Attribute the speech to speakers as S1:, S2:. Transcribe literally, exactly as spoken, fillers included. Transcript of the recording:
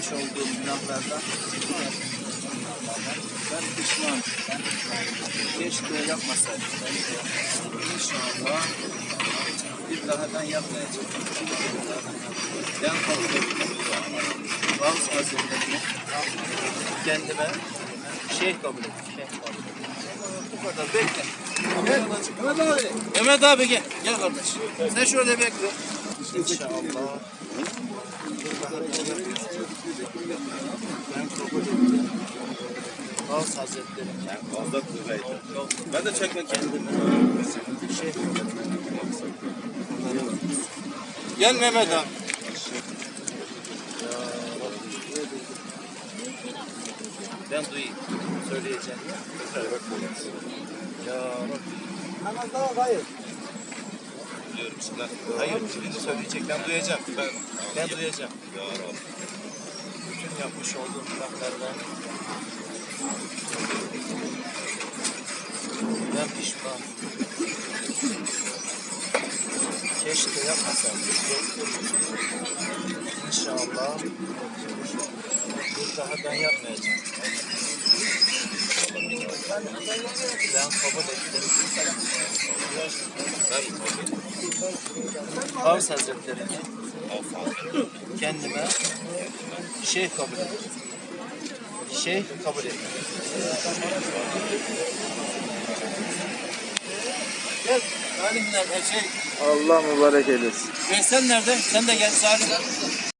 S1: yapmış olduğum günahlardan ben pişman. Keşke yapmasaydım. İnşallah bir daha ben yapmayacağım. Ben kabul ediyorum. Bazı hazretlerimi kendime şeyh kabul ettim. Şeyh kabul ettim. Bu kadar bekle. Gel. Mehmet abi. Mehmet abi gel. Gel kardeş. Sen şöyle bekle. İnşallah. Ben kabul ettim. Bazı hazretlerim.
S2: Fazla kuvvetli. Ben de çekmek
S1: kendime şey gel Mehmet abi. Ben duyayım. Söyleyeceğim. Ya Rabbi.
S3: Namazda hayır.
S2: biliyorum şimdi.
S1: Hayır, şimdi söyleyecek. Ben duyacağım. Ben, ben duyacağım.
S2: Ya Rabbi.
S1: Bütün yapmış olduğum günahlardan ben pişman. Keşke yapmasaydım. İnşallah bir daha ben yapmayacağım. Ben kabul ettim. Gavs Hazretleri'ni kendime şeyh kabul ettim. Şeyh kabul ettim. Gel. Salim nerede? Şey,
S3: Allah mübarek eylesin.
S1: Veysel nerede? Sen de gel Salim.